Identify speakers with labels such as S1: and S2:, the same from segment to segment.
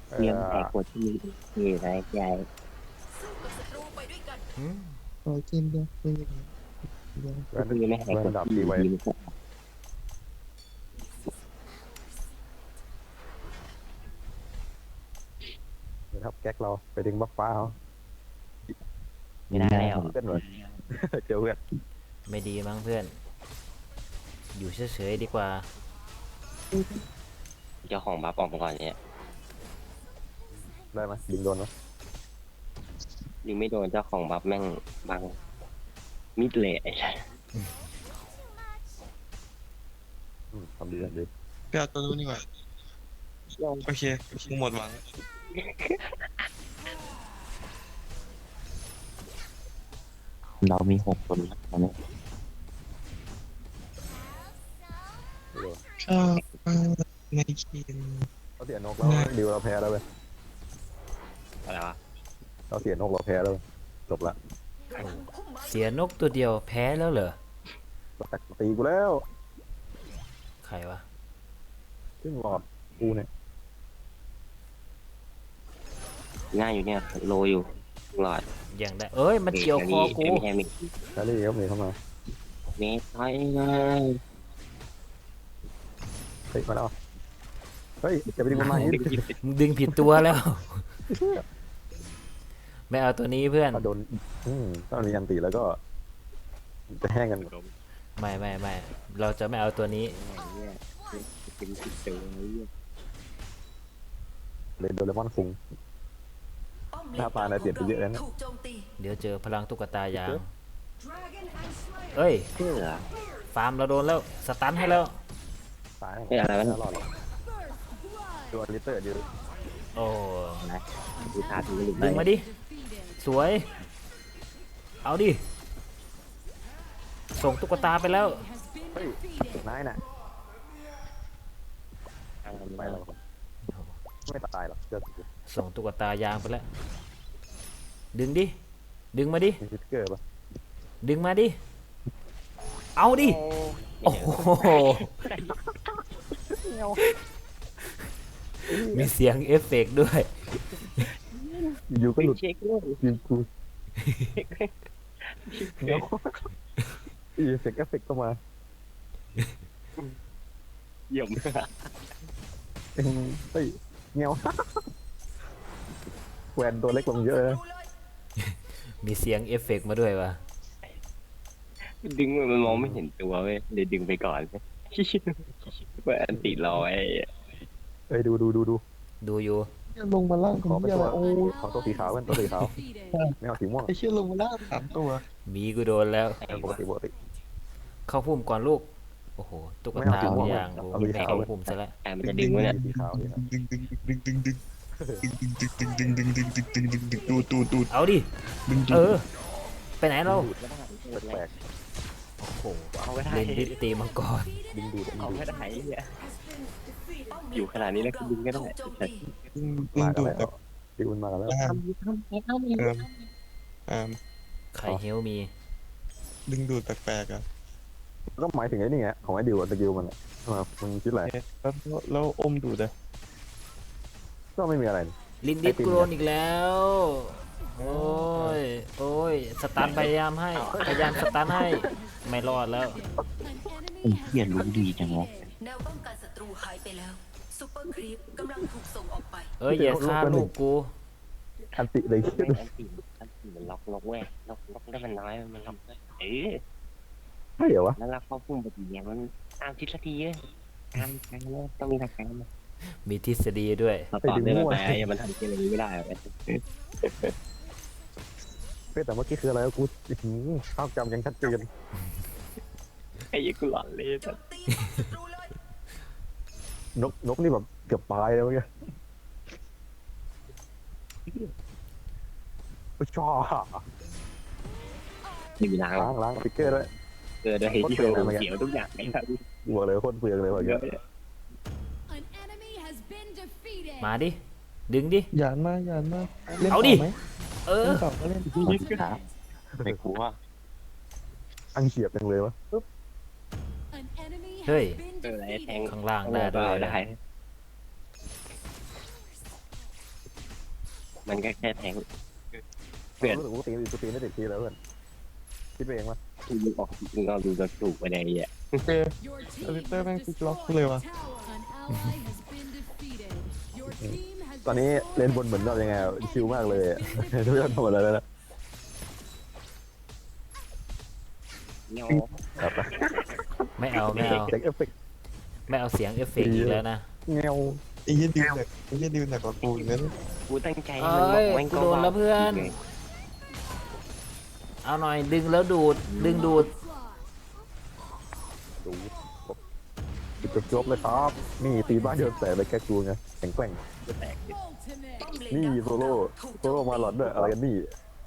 S1: เอ
S2: เลี้ยง
S1: อ
S2: แต่กดที่มีอะไรใหญ่
S3: หืม
S4: โอ้เกมเดียวเกมเดียวเดียว
S1: เพื่อน
S2: ที่ไม่ให้
S1: เพื่อน
S2: กดที่
S1: ดับตีไว้
S2: ดีมันก็
S1: นะครับแก๊กเราไปดึงบัฟฟ้าเขา
S2: ไม่ได้แล้ว
S1: เพื่อนหน่อยเจอเพื่อน
S3: ไม่ดีมั้งเพื่อน อยู่เฉยๆดีกว่า
S2: เจ้าของบัฟออกมาก่อนเนี่ย
S1: ได้ไหมดึงโดนไหม
S2: ยิงไม่โดนเจ้าของบัฟแม่งบังมิดเลยไอ้สัส
S1: ทำดีทำดี
S4: ไปเอาตัวนู้นดีกว่าโอเคกูหมดหวัง
S2: เรามี6 คนแล้วตอนนี้
S1: ไม่โดน
S4: ชอบในเกม
S1: เราเสียนกแล้วดิวเราแพ้แล้วเว้ย
S2: อะไรวะ
S1: เราเสียนกเราแพ้แล้วเว้ยจบละ
S3: เสียนกตัวเดียวแพ้แล้วเหรอ
S1: เราแตกตีกูแล้ว
S3: ใครวะ
S1: ขึ้นหลอดกูเนี่ย
S2: ง่ายอยู่เนี่ยโลอยู่หลอด
S3: อย่างได้เอ้ย มันเกี่ยวคอกู
S2: ไม่ใช่มิด
S1: แคลรี่ครับนี่เข้ามา
S2: เมทถอยเลย
S1: เฮ้ยมาแล้วเฮ้ยจะไปดึงมันมาอย่างนี้
S3: มึงดึงผิดตัวแล้ว ไม่เอาตัวนี้เพื่อน
S1: ถ้าโดนถ้ามันมีอันตีแล้วก็จะแห้งกันหมด
S3: ไม่เราจะไม่เอาตัวนี้
S2: เนี่ยเป็นติดตัวเนี่ย
S1: เลยโดเรมอนคุง หน้าตาเนี่ยเปลี่ยนไปเยอะแล้วนะ
S5: ถูกโจมตี
S3: เดี๋ยวเจอพลังตุ๊กตายาง เอ้ย
S2: เพื่อ
S3: ฟาร์มเราโดนแล้ว สตันให้แล้ว
S1: ตาย
S2: ไม่อะไรวะ
S1: รอดหรอกตัวลิตเตอร์ดิว
S3: โอ้
S2: นะดูท่าทีไม่หลุด
S3: ดึงมาดิ สวย เอาดิ ส่งตุ๊กตาไปแล้ว
S1: เฮ้ยนายน่ะไปแล้วไม่ตายหรอกเจอ
S3: ส่งตุ๊กตายางไปแล้ว ดึงดิ ดึงมาดิ
S1: มีฟิกเกอร์ป่ะ
S3: ดึงมาดิ เอาดิ โอ้โห มีเสียงเอฟเฟกต์ด้วย
S1: อยู่ก็หลุด
S2: เช็คเลย
S1: ยิงกูอีเฟกต์เอฟเฟกต์เข้ามา
S2: เยี่ยม
S1: เฮ้ยเงี้ยวแหวนตัวเล็กลงเยอะนะ
S3: มีเสียงเอฟเฟกต์มาด้วยวะ
S2: ดึงมันมองไม่เห็นตัวเว้ยเลยดึงไปก่อนเพื่ออันติรอไว้
S1: เฮ้ยดู
S3: ดูอยู่
S4: ลงมาล่างข
S1: ข
S4: อ
S1: อง เป็น
S4: เหี้ย
S1: ตั
S4: อะ
S1: ว
S4: ไรโอ้
S1: ขอตัวสีขาวเป็นตัวสีขาวไม่เอาสีม่วง
S4: ไอ้เชี่ยลงมาล่าง3 ตัว
S3: มีกูโดนแล้ว
S1: ปกติ
S3: เข้าพุ่มก่อนลูก โอ้โห ตุ๊ก
S1: ไม่เอา
S3: ตา
S1: สีม่วง
S3: ยางกู
S1: เอาสีขาว
S3: เข้าพุ่มซะแล้ว
S2: แต่มันจะดึงไว้เนี่ย
S1: สีขาวนี่ครับ
S4: ดึงดึงดึงดึงดึงดึงดึงดึงดึงดึงดึงดึงดึงดึงดึงดูด
S3: เอาดิ
S4: ดึง
S3: เออ ไปไหนเรา
S1: แปลก
S3: โอ้โห
S2: เอาไม่ได้
S3: เล่นดิสตีมังกร
S1: ดึงดูด
S2: เอาไม่ได้เนี่ยอยู่ขนาดนี้แล้วก็ดึงก็ได้
S4: ดึง
S1: มา
S4: ดู
S1: กัน
S4: ด
S1: แล้
S4: แบบ
S1: วดิวมากันแล้ว
S4: อ่าอ่า
S3: ใครเฮลมี
S4: ดึงดูดแปลกๆอ่ะ
S1: ก็หมายถึงไอ้นี่ไงของไอ้ดิวสกิลมันอ่ะมึงคิดอะไร
S4: แล้วอมดูดอ่ะ
S1: ก็ไม่มีอะไร
S3: ลินดิสกูโดนอีกแล้ว โอ้ย สตันพยายามให้ พยายามสตันให้ ไม่รอดแล้ว
S2: ไอ้เหี้ยรู้ดีจังวะ
S5: แนวป้องกันศัตรูหายไปแล้วซูเปอร์ครีปกำลังถูกส่งออกไป
S3: เอ้ย อย่าฆ่าลูกกู
S1: อันติเลยคิด
S2: อันติมันล็อกเว้ยล็อกได้มันน้อยมันล็อกได้
S1: ใช่เหรอวะ
S2: แล้วเราเข้าพุ่มปฏิเนี่ยมันตามทิศทีเว้ยตามแล้วต้องมีทางการ
S3: มีทฤษฎีด้วย
S2: ต่อได้ไหมมันทำอะไรไม่ได้เลย
S1: แต่เมื่อกี้คืออะไรกูภาพจำยังชัดเจน
S2: ไอ้กูหลอนเลย
S5: โจมตีศัตรูเลย
S1: นกนี่แบบเกือบตายแล้วเมื่อกี้ชอบ
S2: ไม่มีล้าง
S1: ล้างฟิกเกอร์ด้วย
S2: เกิดอะไรที่เขียวทุกอย่างไอ้ครับ
S1: บวกเลยโคตรเปลืองเลยแบบ
S2: เย
S1: เงี้
S2: อะ
S1: ย
S3: มาดิ ดึงดิ
S4: หยานมาเล่น
S3: เอาดิ
S4: ไหม
S3: เออ
S4: เล่นต่อก็เล่น
S2: ไม่กลัว
S1: อังเฉียบจังเลยวะ
S3: เฮ้ย
S2: อะไรแทง
S3: ข้างล่างได้ด้วย
S2: ได้มันก็แค่แทง เป
S1: เพื่
S2: ลี่
S1: อย น
S2: น
S1: รู้สึกว่ากูตีไม่ติดทีแล้วเพื่อนคิดไปเองวะ
S2: มึงออกมึงเอาดูกระถูกไปในอ่ะ
S4: เจอลิเตอร์แม่งพลิกล็อกเลยวะ
S1: ตอนนี้เล่นบนเหมือนเรายังไงชิลมากเลยทุกอย่างทำหมดแล้วนะ
S2: เงี้ย
S1: ครับ
S3: ไม่เอาไม่เอา
S1: เด็กเอฟเฟกต์
S3: ไม่เอาเสียงเอฟเฟกต์อีกแล้วนะ
S1: เงา
S4: ไอ้เหี้ยดิวหนักไอ้เหี้ยดิวหนักกว่ากูอีกนั้น
S2: กูตั้งใจ
S3: เอ
S2: ให้มัน้ บอก
S3: ย
S2: มัน
S3: กู
S2: ก็
S3: โดนแล้วเพื่อน เอาหน่อยดึงแล้วดูด ดึงดูด
S1: ดูจบเลยครับนี่ตีบ้านเดียวแต่ไปแค่กูไงแข็งแกร่ง
S2: จะแตก
S5: ป้อมเลน
S1: นี่
S5: ดาว
S1: โซโล่โซโล่มาหลอดด้วยอะไรกันนี่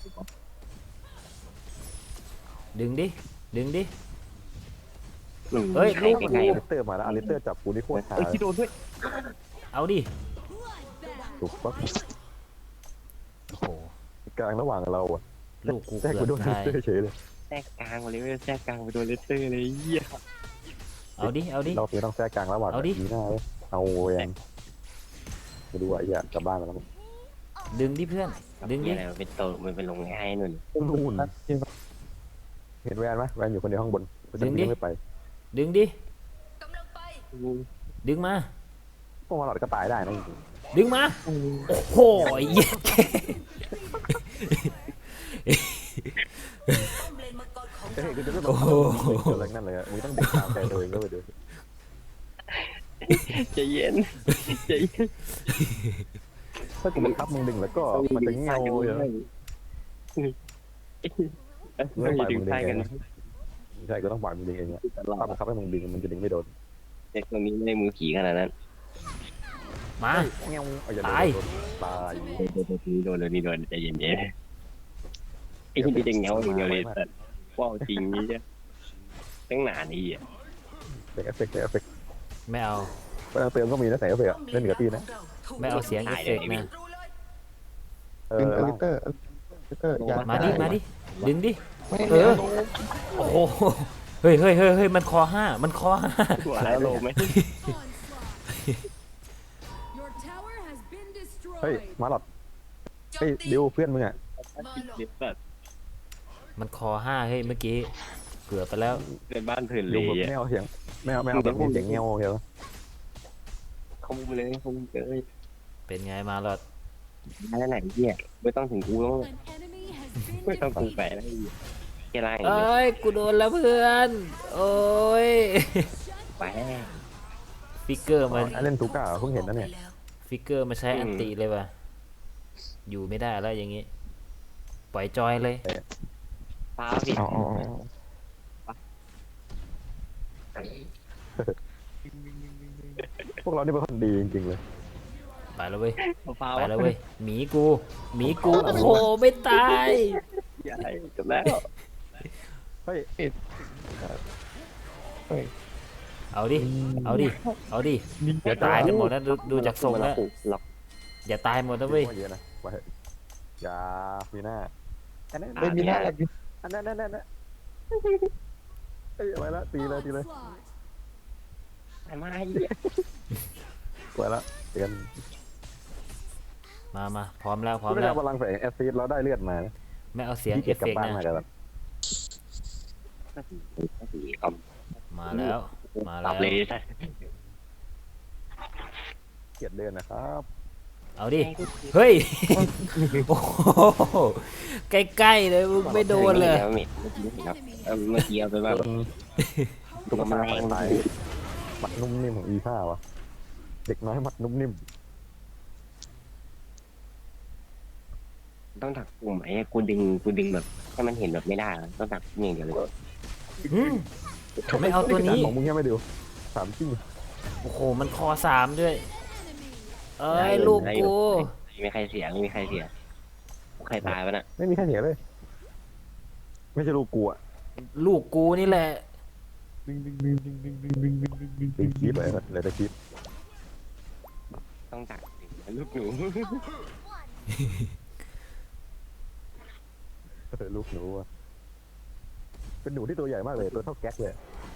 S3: ดึงดิ ดึงดิ
S2: เฮ้
S3: เฮ้
S2: ย
S3: ย
S2: ลูก
S3: ลูก
S2: ไง
S1: อลิสเตอร์มาแล้วอลิสเตอร์จับกูนี่โคตรขา
S2: เอ้ยที่โดนด้วย
S3: เอาดิ
S1: ถูกปะ
S3: โอ้โห
S1: กลางระหว่างเราอะ
S3: ลูกกู
S1: แท้
S3: เกื
S1: กู
S3: อบ
S1: โดนอลิ
S3: ตา
S1: ส
S3: ย
S1: เตอร์เฉยเลย
S2: แทรกกลางมาเลยเว้ยแทรกกลางไปโดนเลสเตอร์เลยเหี้ย
S3: เอาดิ เอาดิ
S1: เราเพียงต้องแทรกกลางระหว่าง
S3: เอาดิ
S1: ดีหน้าเลยเอาเองมาดูอ่ะอย่ากลับบ้านมาแล้วมั้ง
S3: ดึงดิเพื่อน ดึงดิ
S2: อะไรมันเป็นโตมันเป็นลงง่ายนุ่น
S1: นู่นเห็นแวนไหมแวนอยู่คนเดียวข้างบนไม่ไป
S3: ดึงดิ
S5: กำลังไป
S3: ดึงมา
S1: พวกมาหลอดก็ตายได้นะ
S3: ดึงมา โอ้โหเย้
S5: ป้อมเลนมังกรของ
S1: เฮ้
S5: เรา
S1: ยกูจะไม่บอกอะไรนั่นเลยมึงต้องเด็กตามใจตัวเองก็ไปดู
S2: ใจเย็นใจเย็น
S1: ถ้ากูบังคับมึงดึงแล้วก็มันจะเงาเลย
S2: ไม่ดึงใต้กัน
S1: ใช่ก็ต้องปล่อยมึงดึงเองอะ
S2: ตลอด
S1: ถ้าบังคับให้มึงดึงมันจะดึงไม่โดน
S2: เด็กตัวนี้ไม่ได้มือขี่ขนาดนั้น
S3: มา
S1: เงาเอาอย่า
S3: ตาย
S1: ตาย
S2: โดนเลยนี่โดนใจเย็นๆไอ้ที่จะเงาอย่างเดียวเลยแต่ว้าวจริงนี่จ้ะตั้งนานนี่อ่ะ
S1: เด็กเอฟเฟกต์เอฟเฟกต์
S3: ไม่เอา
S1: เติมก็มีนะแต่เอฟเฟกต์เล่นกับตีนะ
S3: ไม่เอาเสียงเอฟเฟกต์นะ
S5: รู้เลย
S4: เป็นอลิเตอร์อย่า
S3: มาดิ มาดิ ดึงดิ
S4: ไม่
S3: เออ โอ้โห เฮ้ยเฮ้ยเฮ้ยเฮ้ยมันคอห้า มันคอห้า
S2: หัวแล้วโลไหม
S1: เฮ้ยมาหลอดเฮ้ยดิวเพื่อนมึงอ่ะ
S3: มันคอห้าเฮ้ยเมื่อกี้ เกือบไปแล้ว
S2: เป็นบ้านเถื่อนเล
S1: ดิวย แบบ
S2: อ่ะ
S1: ไม่เอาเสียงไม่เอาแบบมีเสียงเงาเหรอ
S2: เขามุมเลยเขามุมเลย
S3: เป็นไงมาหลอด
S2: อะไรไหนเหี้ยไม่ต้องถึงกูต้องไม่ต้องกูแฝงอะไรแค่ไร
S3: เอ้ย กูโดนแล้วเพื่อน โอ้ย
S2: แฝง
S3: ฟิกเกอร์มัน
S1: เล่นทูก้าเพิ่งเห็นนะเนี่ย
S3: ฟิกเกอร์มาใช้อันติเลยว่ะ อยู่ไม่ได้แล้วอย่างงี้ ปล่อยจอยเลย
S2: ตาผิด
S4: อ๋อ
S1: พวกเรานี่เป็นคนดีจริงๆเลย
S3: ไปแล้วเว้ย
S2: ฟ้า
S3: ไปแล้วเว้ย หมีกู หมีกู โอ้โห ไม่ตาย
S2: ใหญ่จบแล้ว
S1: เฮ้ย
S3: เอาดิ เอาดิ เอาดิ อย่าตายกันหมดนะดูจากทรงแล้ว
S2: ล็อก
S3: อย่าตายหมดนะเว้ย
S1: เยอะนะไปอย่ามีหน้าอันนั้น
S4: ไม่มีหน้า
S1: อันนั้นนั่นเอ้ยไปละตีเลย
S2: มา
S1: ไปละเตือน
S3: มาพร้อมแล้ว พร้อม
S1: ไม่
S3: แล้
S1: ได้
S3: ว
S1: พลังแฝงแอซิดเราได้เลือดมา
S3: ไม่เอาเสียงเอฟ
S1: กลั
S3: เฟ
S1: บ
S3: กต์
S1: บ้าน
S3: นะ
S1: มากันแบบ
S2: สีค
S3: มาแล้ว มา
S2: ำ
S3: แล้
S2: ตั
S3: ว
S2: บเลย
S1: เกลียดเดินนะครับ
S3: เอาดิ เฮ้ย โอ้โหใกล้ๆเลยมึงไม่โดนเลย
S2: เมื่อกี้เอาไปว่า
S1: ตุ๊กตาตายมัดนุ่มนิ่มของอีผ้าวะเด็กน้อยมัดนุ่มนิ่ม
S2: ต้องถักกลุ่มไอ้กูดึงแบบให้มันเห็นแบบไม่ได้ต้องถักอย่างเดียวเลย
S3: อืมไม่เอาตัวนี้
S1: ของมึงยังไม่ดูถามจริง
S3: โอ้โห มันคอสามด้วย เอ้ย ลูกกู
S2: ไม่มีใครเสียใครตายปะน่ะ
S1: ไม่มีใครเสียเลย ไม่ใช่ลูกกูอ่ะ
S3: ลูกกูนี่แหละ
S1: ตีคลิปเลยเลยแต่คลิป
S2: ต้องถักลูกหนู
S1: ลูกหนูอ่ะเป็นหนูที่ตัวใหญ่มากเลยตัวเท่าแก๊กเลย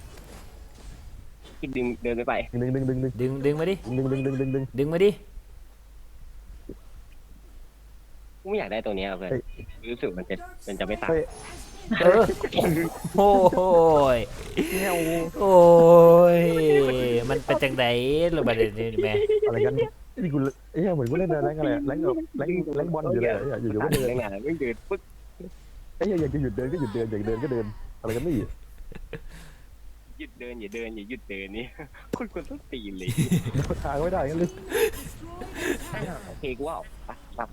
S2: ดึงเดินไป
S3: ดึงมาดิ
S1: ดึง
S3: ดึงมาดิ
S2: กูไม่อยากได้ตัวเนี้ยเพื่อนรู้สึกมันจะไม่ตาย
S1: เฮ้ย
S3: เออโอ้ย
S1: เงี้ย
S3: โอ้ยมันเป็นจังไดหรือประเด็นนี้แม่
S1: อะไรกันนี่กูเอ้ยเหมือนกูเล่นแรงอะไรแรงบอลอยู่เลยอยู่ๆก็เดิน
S2: เรื่องงานไม่เดินปึ๊ก
S1: เอ้ยอยากจะหยุดเดินก็หยุดเดินอยากเดินก็เดินอะไรกันนี่
S2: หยุดเดินอย่าหยุดเดินนี่คนคนต้องตีเลย
S1: ทางไม่ได้กันเลย
S2: โอเคกูว่าปั๊บ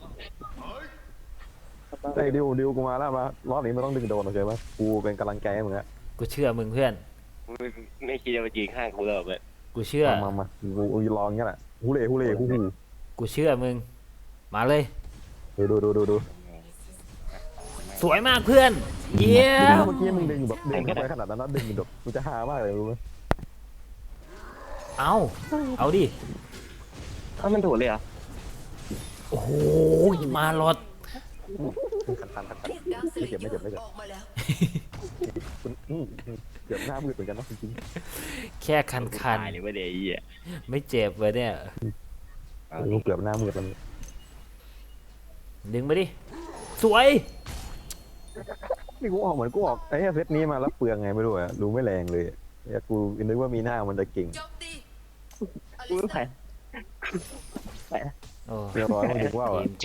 S1: ไอ้ดิวกูมาแล้วมารอบนี้มันต้องดึงโดนโอเคไหมกูเป็นกำลังใจให้มึงอะ
S3: กูเชื่อมึงเพื่อน
S2: ไม่คิดจะมายืนข้างกูหรอกเลย
S3: กูเชื่อ
S1: มากูลองงี้แหละฮูเล่ฮู
S3: กูเชื่อมึงมาเลย
S1: ดู
S3: สวยมากเพื่อนเยี่ยม
S1: เมื่อกี้มึงดึงแบบดึงเข้าไปขนาดนั้นนะดึงแบบมึงจะหามากเลยรู้ไหม
S3: เอาดิ
S2: มันถูกเลยเหรอ
S3: โอ้โหมาหลด
S1: คัน
S5: เรียกดาวสเลเยอร์ออกมาแล้ว
S1: คุณเกือบหน้ามืดเหมือนกันนะจริง
S3: แค่คัน
S2: ตายเลยว่าเดี๋ยวไอ้เหี้ย
S3: ไม่เจ็บเลยเนี่ย
S1: กูเกือบหน้ามืดแล้ว
S3: ดึงมาดิสวย
S1: นี่กูออกเหมือนกูออกไอ้เซตนี้มาแล้วเปลืองไงไม่รู้อะรู้ไม่แรงเลยกูนึกว่ามีหน้ามันจะเก่ง
S5: โจมตีอ
S2: กู
S5: ลิ
S2: ไม่
S5: ซา
S2: ไป
S3: โอ้
S1: เรียบร้อยมันถึงว่า
S3: ทีมกู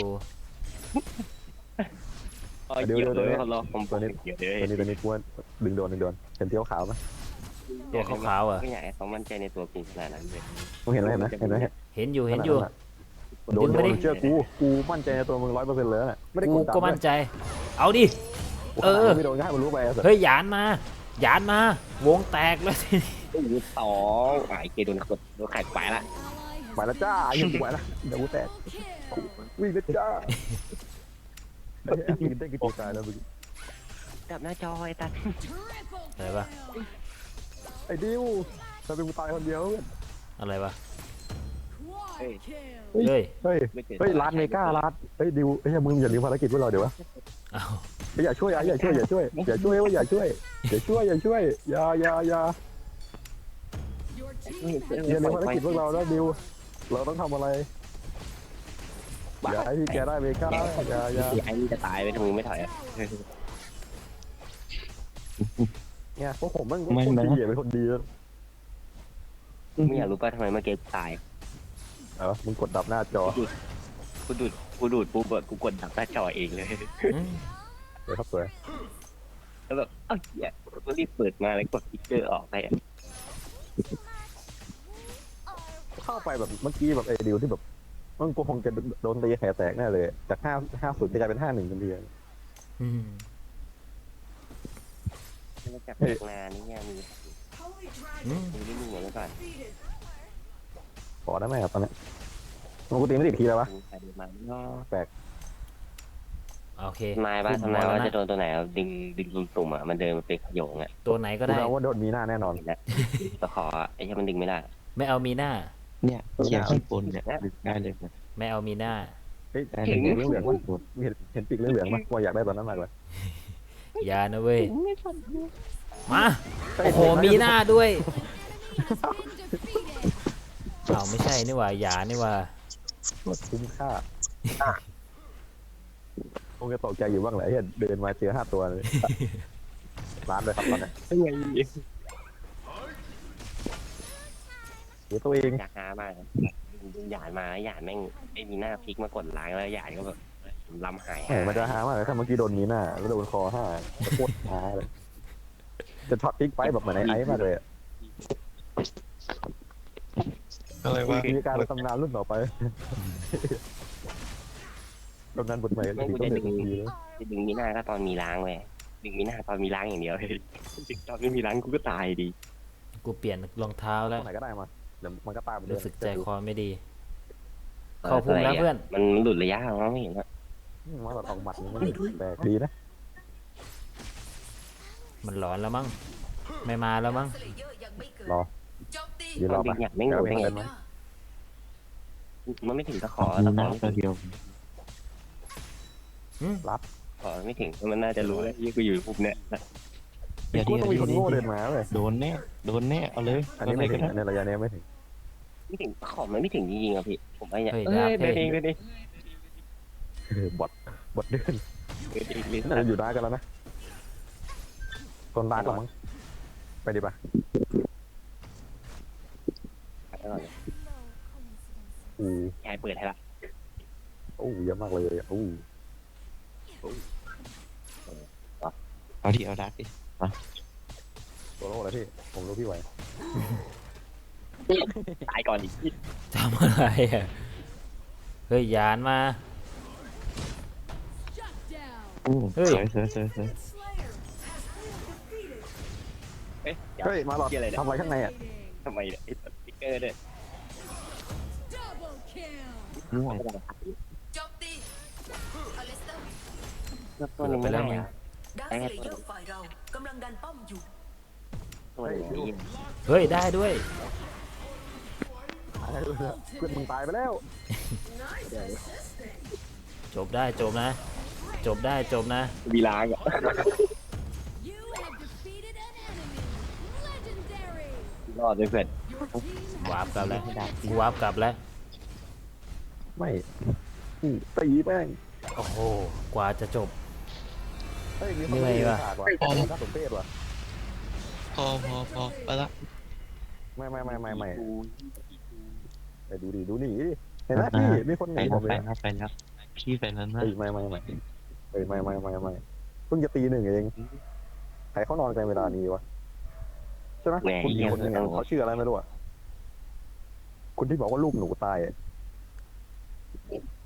S2: เดี๋ยวเลยเขารอผมตัวนี้เดี๋ยว
S1: ตัวนี้กูดึงโดนเห็นเที่ยวขาวไหม
S3: ตัวขาวๆอ่ะ
S2: ไม่อยากให้เขามั่นใจในตัวกินขนาดนั้นเลย
S1: มึงเห็นไหม
S3: เห็นอยู่
S1: โดนเชื่อกูมั่นใจในตัวมึง100%เลยนะไม่ได้
S3: กูก็มั่นใจ เอาดิ
S1: ไม่โดนง่ายมันรู้ไป
S3: เฮ้ยหยานมาวงแตกแล้วทีนี้
S2: ตู้สองไอ้เกโดนไข่ไปละ
S1: ไปแล้วจ้ายังไหวละเดี๋ยวกูแตกวิ่งเลยจ้ากินได้กี่ตัวตายแล้วมึง
S2: จับหน้าจอไอ้ตัด
S3: อะไรปะ
S1: ไอ้ดิวเราเป็นกูตายคนเดียว
S3: อะไรปะ
S2: เฮ้ย
S3: เฮ้ย
S1: เฮ้ยร้านเมการ้านเฮ้ยดิวเฮ้ยมึงอย่าลืมภารกิจพวกเราเดี๋ยววะ
S3: เอา
S1: อย่าช่วยอย่าช่วยอย่าช่วยอย่าลืมภารกิจพวกเราแล้วดิวเราต้องทำอะไรอย่าให้พี่แกได้เมกาอย่า
S2: ไอ้นี่จะตายไปทำไมไม่ถอยอ่ะ
S1: เนี่ยพวกผมมันคนดีเป็นคนดี
S2: ไม่อยากรู้ป่ะทำไมเมื่อกี้ตาย
S1: มึงกดดับหน้าจอ
S2: กูดูดปุ๊บกูกดดับหน้าจอเองเลย
S3: อืม
S1: เดี๋ยวครับสวย
S2: แล้วแบบเอ้าเหี้ยกูรีบเปิดมาแล้วกดติ๊กเกอร์ออกไปอ่ะ
S1: เข้าไปแบบเมื่อกี้แบบไอ้ดิวที่แบบมันกูคงจะโดนตีแขนแตกแน่เลยจาก5-0จะกลายเป็น5-1กันที
S3: อืม
S2: แล้วจากงานนี่มี
S3: อืม
S2: มีเหมือนก่อน
S1: ขอได้ไหมครับตอนนี้มันกูตีไม่ติดทีแล้ววะ
S2: ใส่มาเนาะ
S3: โอเค
S2: ทำนายว่าจะโดนตัวไหนดึงตุ่มอ่ะมันเดินมาเป็นขยงอ่ะ
S3: ตัวไหนก็
S1: กู
S3: ได้
S1: เดาว่าโดนมีหน้าแน่นอน
S2: ตะขอไอ้ที่มันดึงไม่ได้
S3: ไม่เอามีหน้า
S4: เนี่ยเขียนข้างบนเนี่ยดึงได้เลยนะ
S3: ไม่เอามีหน้า
S1: เฮ้ยเห็นปีกเหลืองๆมั้ยเห็นปีกเหลืองๆมั้ยกูอยากได้ตอนนั้นมากเลย
S3: อย่านะเว้ยมาโอ้โหมีหน้าด้วยเอาไม่ใช่นี่หว่าอย่านี่หว่า
S1: คุ้มค่าคงจะตกใจอยู่บ้างแหละเห็นเดินมาเจอ5 ตัวเลยร้านเลยครับตอนนี้เดี๋ยวตัวเอง
S2: อยากหามากหยาดมาหยาดแม่งไอ้มีหน้าพลิกมากดล้างแล้วหยาดก็แบบลำหาย
S1: มันจะหามากเลยถ้าเมื่อกี้โดนมีหน้าแล้วโดนคอ5จะโคตรช้าเลยจะช็อตพลิกไปแบบเหมือนไอ้มากเลย
S4: อะไรวะ
S1: มีการตำนานรุ่นต่อไปตำนานบทใหม่
S2: แม่ง
S1: ดี
S2: กู
S1: ต้อง
S2: จะ
S1: เด็กดีเลย
S2: ดึงมีหน้าก็ตอนมีล้างเว้ยดึงมีหน้าตอนมีล้างอย่างเดียวดึงตอนไม่มีล้างกูก็ตายดี
S3: กูเปลี่ยนรองเท้าแล้ว
S1: ไหนก็ได้มาเดี๋ยวมันก็ตามไปเรื่
S3: รู้
S1: อย
S3: สึกใจคอไม่ดี เข้าพุ่งแล้วเพื่อน
S2: มันหลุดระยะของเราไม่เห็นว่า
S1: มาแบบออกหมัดมันแปลกดีนะ
S3: มันหลอนแล้วมั้งไม่มาแล้วมั้ง
S5: สเลเยอร์ยังไม่เกิด
S1: รอ
S5: โจมตี
S1: ยืนรอ
S2: ดึ
S1: ปะ
S2: งหยาดไม่งหลุดได้ไงมันไม่ถึงตะขอ
S4: มี
S2: ตะข
S4: น้
S2: อ
S4: องตัวเดียว
S2: ขอไม่ถึงมันน่าจะรู้แล้วยี่กูอยู่ปุ๊บเนี่ย
S4: เดี๋ยว
S1: กู
S4: เดี๋ยว
S1: ต้องมีคน
S4: เดี๋ยว
S1: โง่เดินมาเลย
S4: โดนแน่เอาเลย
S1: อันนี้ไม่ถึงในระยะนี้ไม่ถึง
S2: ไม่ถึงตะขอมันไม่ถึงจริงๆอ่ะพี่ผมไอ้เนี่ย
S3: เฮ้ย
S2: เดินเอง
S1: บอทบทเดิน
S2: ลิ้น
S1: น่าจะอยู่ได้กันแล้วนะต้นรักหรอมั้งไปดีป่ะ อู้
S2: ยายเปิดให้ละ
S1: อู้เยอะมากเลยอู้
S4: เอาดิเอาดักดิ
S1: ตัวโลกแล้วพี่ผมรู้พี่ไหว
S2: ตายก่อนดิ
S3: ทำอะไรอ่ะเฮ้ยยานมา เฮ้ย
S4: สวยสวยสวยสวย
S2: เฮ้ย
S1: เฮ้ยมาหลอด
S2: เกี่ยอะไรเนี่ย
S1: ทำอะไรข้างในอ่ะ
S2: ทำไมเนี่ยไอ้สติ๊กเกอร์เนี่ย
S4: ม่วง
S5: โจมตีอลิสเตอร์
S2: ตัวนึงไม่ได้อะ
S5: ดาร์คเลเยอร์ฝ่ายเรากำลังดันป้อมอยู่
S2: ตัวนี้
S3: เฮ้ยได้ด้วย
S1: ตายเลยเพื่อนมึงตายไปแล้ว
S3: จบได้จบนะ จบได้จบนะ
S2: วีล้างอ่ะ
S6: You have defeated an enemy. Legendary.
S2: รอดด้วยเพื่อน
S3: วาร์ปกลับแล้ววาร์ปกลับแล้ว
S1: ไม่ตีแม่ง
S3: โอ้โหกว่าจะจบ
S1: เฮ้ยมีคน
S3: เหนื่อยว่ะ
S1: ฉากว่ะน่าสมเพชว่ะ
S4: พอไปละ
S1: ไม่ไปดูดิดูหนีดิเห็นไหมพี่มีคนห
S4: ไป
S1: นี
S4: แล้
S1: ผ
S4: ว
S1: มเล
S4: ไป
S1: ย
S4: แล้วไปแล้วพี่ไปแล้วนะ
S1: เฮ้ยไม่เฮ้ยไม่เพิ่งจะตีหนึ่งเองใครเขานอนกันเวลานี้วะใช่ไหมคุณอีกคนหนึงอะเขาชื่ออะไรไม่รู้อ่ะคุณที่บอกว่าลูกหนูตายอะ